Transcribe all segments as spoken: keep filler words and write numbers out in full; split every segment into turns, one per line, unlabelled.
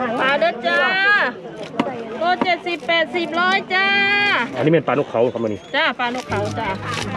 ปลาเด้อจ้าโลเจ็ดสิบแปดสิบร้อยจ้า
อันนี้เป็นปลานกเขาครับมันนี่
จ้าปลานกเขาจ้า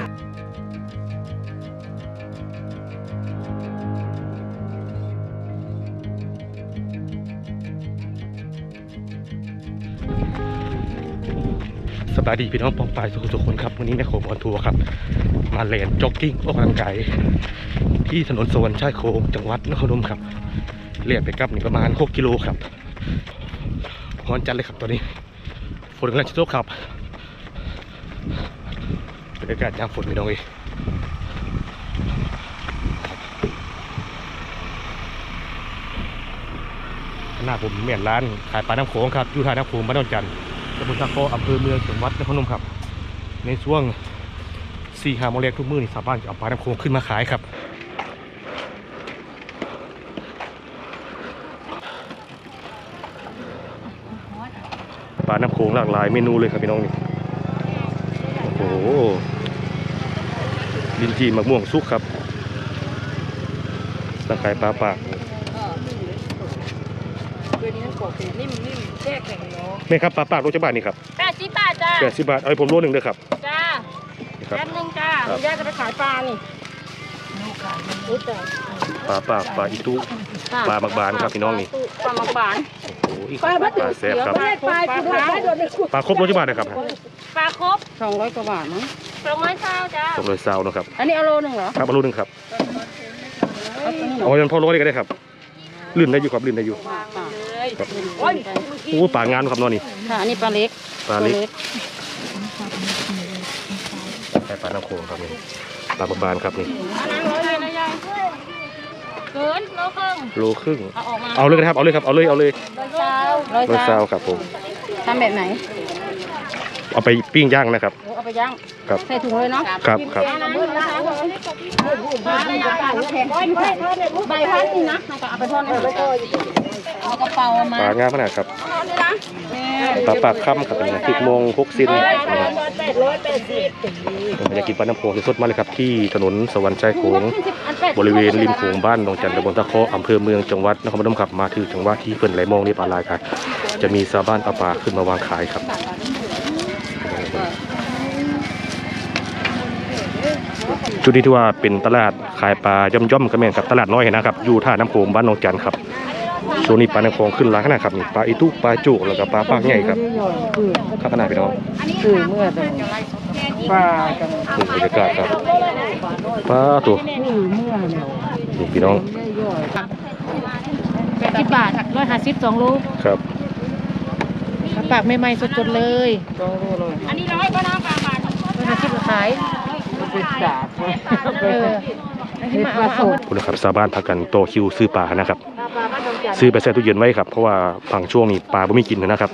สบายดีพี่น้องปองปายทุกคนครับวันนี้แม่โขงบอลทัวร์ครับมาเล่นจ็อกกิ้งออกกำลังกายที่ถนนสวรรค์ชายโขงจังหวัดนครพนมครับเรียกไปกลับนี่ประมาณหกกิโลครับร้อนจัดเลยครับตอนนี้ฝนกำลังจะตกครับบรรยากาศยามฝนพี่น้องเอ้ยหน้าผมเหมือนร้านขายปลาน้ำโขงครับอยู่ท่าน้ำโขงบ้านดอนจันทร์ตำบลตะโกอำเภอเมืองจังหวัดนครพนมครับในช่วงสี่ห้าโมงเย็นทุกมื้อนี่ชาวบ้านจะเอาปลาน้ำโขงขึ้นมาขายครับปลาน้ำโขงหลากหลายเมนูเลยครับพี่น้องนี่โอ้โหลิ้นจี่มะม่วงสุกครับตะไคร้ปลาปาก
นิ่มนิ่มแช่แข็งเนาะ
แม่ครับปลาปากโลจะบาทนี่ครับ
แปดสิบบาทจ้า
แปดสิบบาทเอาให้ผมโลหนึ่งเลยครับ
จ้าแป๊บนึงจ้าแยกจะไปขายปลานี่
ปลาปากปลาอีตุปลาบักบานครับพี่น้องนี่
ปลาบักบาน
โอ้โหปลาแซ่บครับ
ปลา
ปลาครบโลจะบาทนะครับ
ปลาครบสองร้อยกว่าบาทมั้งสองร้อยเศร้าจ้า
สองร้อยเศร้านะครับ
อันนี้เอาโลหนึ่งเหรอ
ครับเอาโลหนึ่งครับเอายันพอโลได้ก็ได้ครับลื่นได้อยู่ครับลื่นได้อยู่ครับโอ้ปลางานครับน้องนี่
ค่ะอันนี้ปลาเล็ก
ปลาเล็กแค่ปลาน้ำโขงครับนี่ปลาบักบานครับนี่
เกินโลครึ่ง
โลครึ่งเอาเลยครับเอาเลยครับเอาเลยเอาเลย
ร้อยเศร้าร้อย
เศร้าครับผม
ทำแบบไหน
เอาไปปิ้งย่างนะครับ
เอาไปย่าง
ครับ
ใส่ถุงเลยเนาะ
ครับครับ
ใบพัดนี่นะเอาไปทอดในกระเป๋ามา
ปลางามขนาดครับปลาปากค่ำครับเป็นสิบโมงหกสิบผมอยากกินปลาน้ำโขงสดๆมาเลยครับที่ถนนสวรรค์ชายโขงบริเวณริมโขงบ้านดงจันทร์ตำบลตะเคาะอำเภอเมืองจังหวัดนครพนมครับมาถึงจังหวัดที่เพิ่นไหลมองนี่ปลาลายครับจะมีชาวบ้านเอาปลาขึ้นมาวางขายครับจุดนี้ที่ว่าเป็นตลาดขายปลาย่อมๆก็แม่นกับตลาดน้อยนะครับอยู่ท่าน้ำโขงบ้านดงจันทร์ครับช่วงนี้ปลาน้ำโขงขึ้นร้านขนาดครับนี่ปลาอีตุปลาจุกแล้วก็ปลาปากใหญ่ครับข้าขนาดพี่น้อง
คือเมื่อปลา
ดูบรรยากาศครับปลาตัวนี่พี่น้อง
แปดสิบบาทร้อยห้าสิบสองลูก
ครับ
ปากใหม่ๆสดๆเลยอันนี้ร้อยก็น้ำปลาบาทร้อยห้าสิบขายเป็นสาบเออ
คุณนะครับชาวบ้านพากันโตคิวซื้อปลานะครับซื้อไปแช่ตู้เย็นไว้ครับเพราะว่าฝั่งช่วงนี้ปลาไม่มีกินนะครับ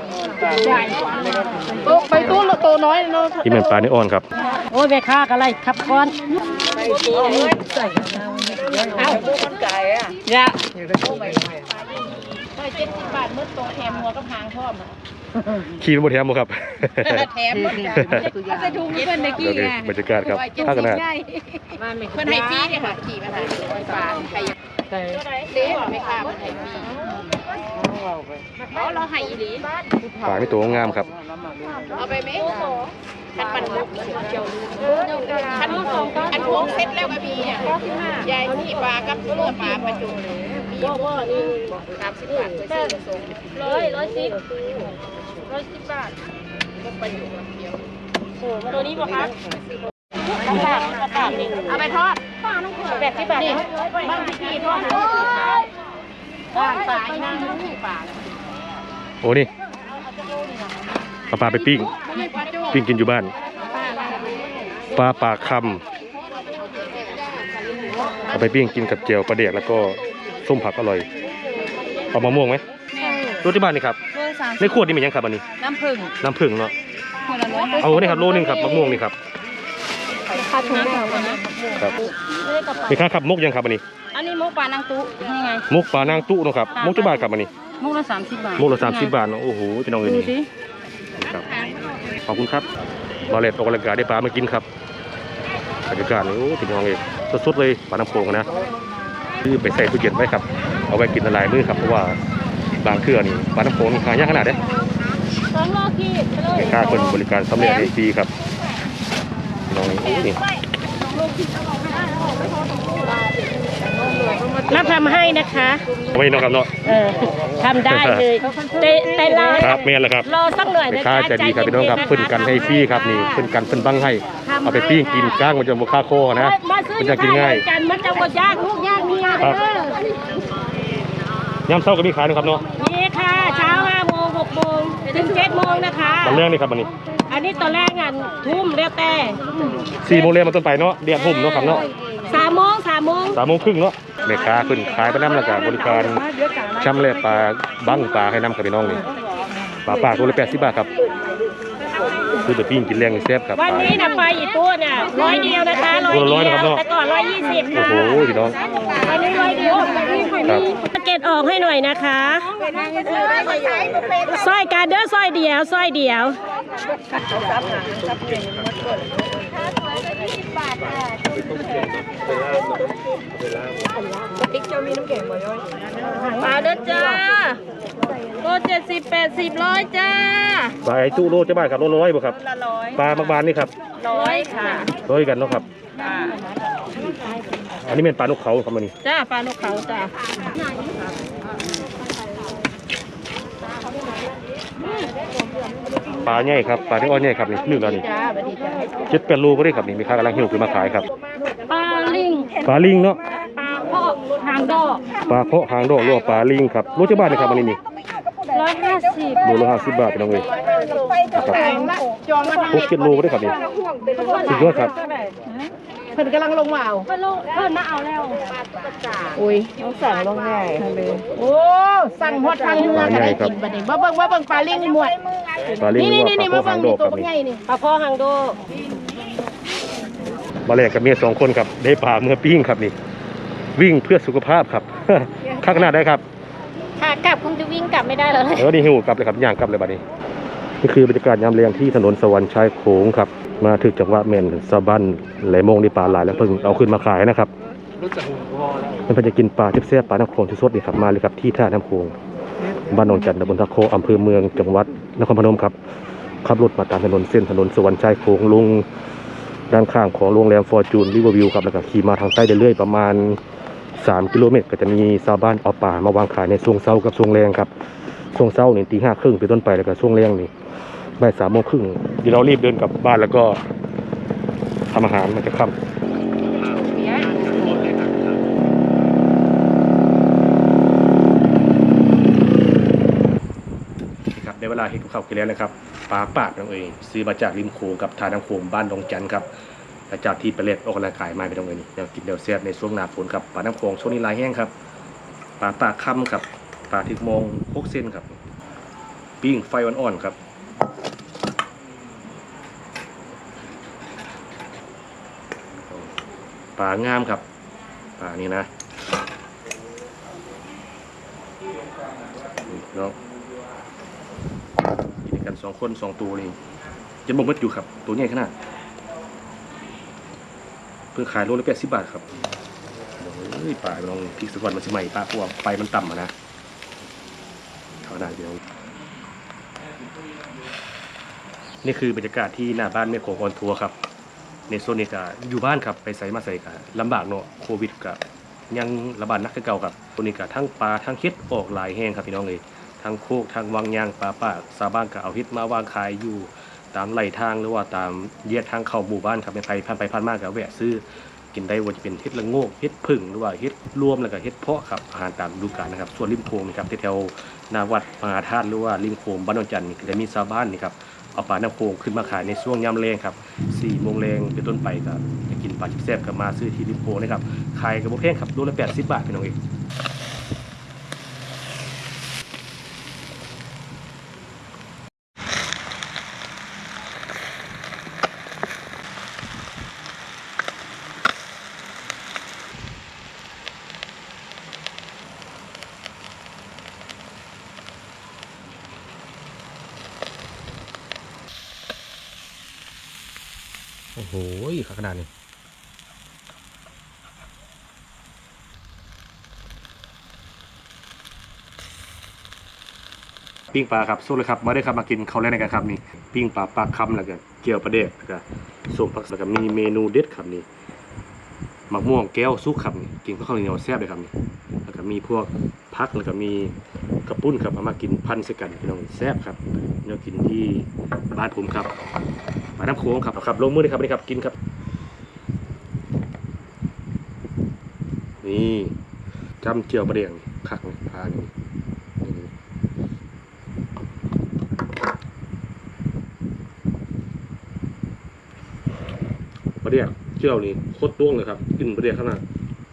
ไปตู้โตน้อยเนาะ
ที่เป็นปลาเนื้ออ่อนครับ
โอ้ยแม่ค้าอะไรขับก้อนเอาตู้มันไก่อ่ะยะเจ็ดสิบบาทมืดตัวแถมหัวกับหางชอบ
ขี่เป็นบทแถมครับ
แถมจะดูเพื่อนในกี้ไง
บรรยากาศครับถ้ากันนะ
เพื่อนไฮฟี่เนี่ยค่ะขี่มาหาปลาไทยเลี้ยงไม่ค่ะเพื่อนไฮฟี่เขาเราไฮอีหลี
ปลาไม่ตัวงามครับ
เอาไปไหมขันปั่นมุกเจียวขันขันพวงเซ็ตแล้วก็มีอ่ะยายที่ปลากับเลือปลาประจุก็ว่านี่สามสิบบาทไปซื้อส่งร้อยร้อยสิบร้อยสิบบาทก็ประจุเดียวตัวนี้ป่ะคะกระปากกระปากนี่เอาไปทอดแปดสิบบาทนี่บ้างพี่ทอดปลาปลาหน้าปลา
โอ้นี่ปลาปลาไปปิ้งปิ้งกินอยู่บ้านปลาปากคำเอาไปปิ้งกินกับเจียวปลาเดียกแล้วก็ส้มผักอร่อยเอามะม่วงไหมรสที่บ้านนี่ครับในขวดนี่มียังครับอันนี้
น้ำผึ้ง
น้ำผึ้งเนาะเอาเนี่ยครับโลนึงครับมะม่วงนี่ครับครับมีค่าขับมุกยังครับอันนี้
อันนี้มุกปลานางตุนี่ไง
มุกปลานางตุเนาะครับมุกที่บ้านครับอันนี้
มุกละสามสิบบาท
มุกละสามสิบบาทโอ้โหพี่น้องเอ๋ยนี่ครับขอบคุณครับมาเล็ดออกกำลังกายได้ปลามากินครับบรรยากาศโอ้พี่น้องเอ๋ยสดๆเลยปลาน้ำโขงนะคือไปใส่ตู้เย็นไว้ครับเอาไว้กินละลายมื้อครับเพราะว่าบางเครือนี่ปลาน้ำโขงนี่หายากขนาดเด้
สองโลขีดไปเลย
แม่ค้าคนบริการสำเร็จในฟรีครับน้องนี่
รับทำให้นะคะ
เอาไว้น้องครับเนาะ
เออทำได้เลยแต่แต่รอ
ครับแม่นแล้วครับ
รอสักหน่อย
แม่
นะ
ค้า
คะ
ใจดีครับพี่น้องครับเพิ่นกันให้ฟรีครับนี่เพิ่นกันเพิ่นบังให้เอาไปปิ้งกินก้างมันจะบ่ค่าคอนะ
มาซื้อ
มัน
อ
จะ
ยู่
กิน
บ้าน
ง่าย
กันมันจะหมดยากลูกยากเมีย
ครับ
เออย
ามเช้าก็มีขายนะครับเนาะ
นี่ค่ะเช้าห้าโมงหกโมงถึงเจ็ดโมงนะคะ
ตอนแรกนี่ครับวันนี้
อันนี้ตอนแรกงานทุ่มแล้วแต่
สี่โมงเรียนมาต้นไปเนาะเดียดหุ่มเนาะครับเนาะ
สามโมงสามโมง
สามโมงครึ่งเนาะแม่ค้าขึ้นขายไปน้ำแล้วก็บริการช่ำเละปลาบั้งปลาให้น้ำกับพี่น้องนี่ปลาปากตัวละแปดสิบบาทครับซื้อไปปิ้งกินแรงนี่แซ่บครับ
วันนี้นะไปอีกตัวเนี่ยร้อยเดียวนะคะร้อย
ตัวละร้อย
เดี
นะครับ
ยว
เนาะ
แต่ก่อนร้อยยี่สิบ
โอ้โหพี่น้อง
วันนี้ร้อยเดียวนี่ค่ะ
ครับ
นี่สเก็ตออกให้หน่อยนะคะสร้อยการเด้อสร้อยเดียวสร้อยเดียว มาเด้อจ้าโลเจ็ดสิบแปดสิบร้อยจ้า
ปลาไอ้ตู้โลจะบ้านครับโลร้อยบ่ครับ
ละร้อย
ปลาบางบานนี่ครับ
ร้อยค่ะ
ร้อยกันเนาะครับ
จ้า
อันนี้เป็นปลานกเขาครับมันนี่
จ้าปลานกเขาจ้า
ปลาใหญ่ครับปลาที่อ้อยใหญ่ครับนี่นึ่งแล้วนี่
จ้าสวัสดีจ้า
เจ็ดแปดโลก็ได้ครับนี่มีค้ากำลังหิวขึ้นมาขายครับ
ปลาลิง
ปลาลิงเนาะ
ปลาพอกหางดอก
ปลาเพาะหางดอกหรือว่าปลาลิงครับโลจะบ้านนี่ครับมันนี่นี่
ร้อยห้าสิบ
โลละห้าสิบบาทพี่น้องเอ้ยครับหกเจ็ดโลก็ได้ครับนี่สุดยอดครับ
เพิ่นกำลังลงมาเอาเพิ่นลงเพิ่นมาเอาแล้วอุ้ยต้องสั่งลงง่ายโอ้สั่งฮอดทางเรือก็ได้กินบัดนี้บ่เบิ่งบ่เบิ่งปลาลิงนี่หมด
ปลาลิง
นี่
หรือ
นี่
ว่า
นี่
ปลา
มา
เพาะ
เบิ่
หาง งดอกครับนี่
นี่ตัวใหญ่นี่ปลาพอหางโด
มาแลกกับเมียสองคนครับได้ปลาเมื่อปิ้งครับนี่ วิ่งเพื่อสุขภาพครับ ข้างหน้าได้ครับ
ค่ะกลับคงจะวิ่งกลับไม่ได้แล้วเลย
เออนี่หิวกลับเลยครับย่างกลับเลยบัดนี้นี่คือบรรยากาศยามเลียงที่ถนนสวรรค์ชายโขงครับมาถึงจังหวัดเมนซาบันไหลโมงในปลาหลายแล้วเพิ่งเอาขึ้นมาขายนะครับมันเป็นจะกินปลาทิพเสียปลาน้ำโขงที่สดดีครับมาเลยครับที่ท่าน้ำโขงบ้านหนองจันทร์ตำบลตะโคอำเภอเมืองจังหวัดนครพนมครับขับรถมาตามถนนเส้นถนนสวรรค์ชายโขงลงด้านข้างของโรงแรมฟอร์จูนริเวอร์วิวครับแล้วก็ขี่มาทางใต้เรื่อยๆประมาณสามกิโลเมตรก็จะมีชาวบ้านเอาปลามาวางขายในช่วงเช้ากับช่วงแรงครับช่วงเช้านี่ตีห้าครึ่งเป็นต้นไปแล้วก็ช่วงแรงนี่บ่ายสามโมงครึ่งเดี๋ยวเรารีบเดินกลับบ้านแล้วก็ทำอาหารมันจะค่ำครับในเวลาเห็นกับข้าวกินแล้วนะครับปลาปากนั่นเองซื้อมาจากริมโขงกับทาน้ำโขงบ้านดงจันทร์ครับหลังจากที่ไปเล่นออกกำลังกายมาไปตรงนี้ยังกินเดี๋ยวแซ่บในช่วงหน้าฝนครับปลาน้ำโขงช่วงนี้ลายแห้งครับปลาปากค่ำครับปลาทิกมองพกเส้นครับปิ้งไฟอ่อนๆครับปลางามครับปลานี้นะเนาะกินกันสองคนสองตัวนี่จะบ่มดอยู่ครับตัวใหญ่ขนาดเพิ่งขายโลละแปดสิบบาทครับโอ้ยปลาลองพริกสักวันมันสิใหม่ปลาพวกไฟมันต่ำอ่ะนะเท่านั้นเดียวนี่คือบรรยากาศที่หน้าบ้านแม่โขงออนทัวร์ครับในโซนนี้ก็อยู่บ้านครับไปใส่มาใส่กันลำบากเนาะโควิดกับยังระบาดนักคือเก่าครับตัวนี้ก็ทั้งปลาทั้งเฮ็ดออกหลายแห้งครับพี่น้องเลยทั้งโคกทั้งวังยางปลาปากชาวบ้านก็เอาเฮ็ดมาวางขายอยู่ตามไหลทางหรือว่าตามแยกทางเข้าหมู่บ้านครับเป็นไปผ่านไปผ่านมาก็แวะซื้อกินได้ว่าจะเป็นเฮ็ดละโงกเฮ็ดผึ่งหรือว่าเฮ็ดรวมแล้วก็เฮ็ดเพาะครับอาหารตามฤดูกาลนะครับส่วนริมโขงนะครับแถวๆนาวัดมหาธาตุหรือว่าริมโขงบ้านนนจันทร์นี่จะมีชาวบ้านนี่ครับเอาปลาน้ำโขงขึ้นมาขายในช่วงยามแลงครับสี่โมงแรงเป็นต้นไปก็จะกินปลาแซ่บๆกับมาซื้อที่ริมโขงนะครับขายกับบ่แพงครับโลละแปดสิบบาทพี่น้องเองโอ้โหขนาดนี้ปิ้งปลาครับสู้เลยครับมาได้ครับมากินข้าวแรกในกันครับนี่ปิ้งปลาปลาคำแล้วก็เจียวปลาเด็กแล้วก็ส้มผักแล้วก็มีเมนูเด็ดครับนี่มะม่วงแก้วซุกครับนี่กินข้าวเหนียวแซ่บเลยครับนี่แล้วก็มีพวกผักแล้วก็มีกระปุ้นครับเอามากินพันใส่กันพี่น้องแซ่บครับเรากินที่บ้านผมครับบ้านน้ำโค้งครับครับลงมือเลยครับนี่ครับกินครับนี่จำเจียวปลาเด็กคักนี่ปลานี่ปลาเด็กเจียวนี่โคตรต้วงเลยครับกินปลาเด็กขนาด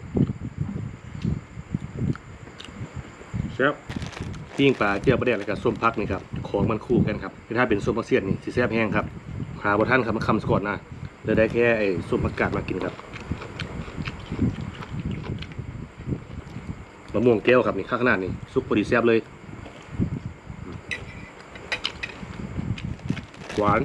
แซ่บปิ้งปลาเจียวปลาเด็กแล้วก็ส้มพักนี่ครับของมันคู่กันครับถ้าเป็นส้มผักเสี้ยนนี่สีแซ่บแห้งครับหาบท่านครับมาคำสกอตนะเลยได้แค่ไอ้ส้มผักกาดมากินครับมะม่วงแก้วครับนี่ข้างขนาดนี่ซุปพอดีแซ่บเลยหวาน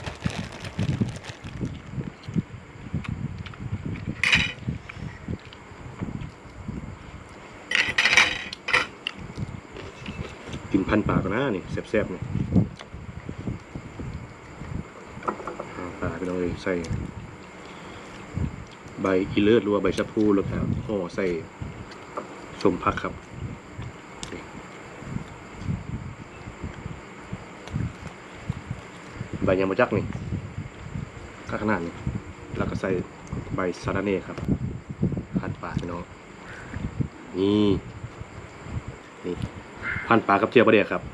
กินพันปลากันนะนี่แซ่บๆนี่ปลาไปเลยใส่ใบอีเลิศหรือว่าใบชะพูแล้วก็ห่อใส่ส้มผักครับใบยางมะจักนี่ข้างขนาดนี้แล้วก็ใส่ใบสะระเน่ครับพันปลาพี่น้องนี่นี่พันปลากับเจียวปลาเดียครับ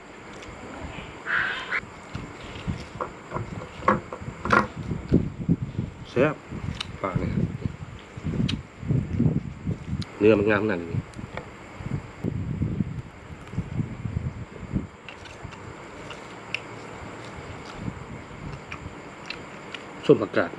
แซ่บปลาเนี่ยเนื้อมันงามขนาดนี้ส้มผักกาด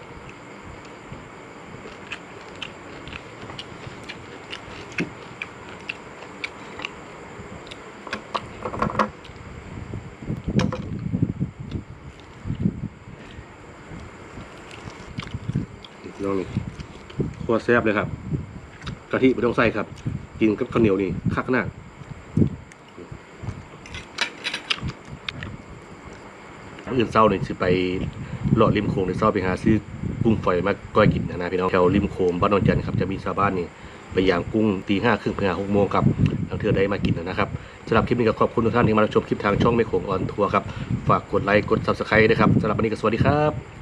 น้องนี่โคตรแซ่บเลยครับกะทิไม่ต้องใส่ครับกินกับข้าวเหนียวนี่คักหน้าอื่นเศร้าเนี่ยจะไปหลอดริมโขงในเศร้าไปหาซื้อกุ้งฝอยมาก้อยกินนะนะพี่น้องแถวริมโขงบ้านนนจันทร์ครับจะมีชาวบ้านนี่ไปย่างกุ้งตีห้าครึ่งถึงหกโมงครับทางเธอได้มากินนะครับสำหรับคลิปนี้ก็ขอบคุณทุกท่านที่มารับชมคลิปทางช่องแม่โขงออนทัวร์ครับฝากกดไลค์กดซับสไครต์ด้วยครับสำหรับวันนี้ก็สวัสดีครับ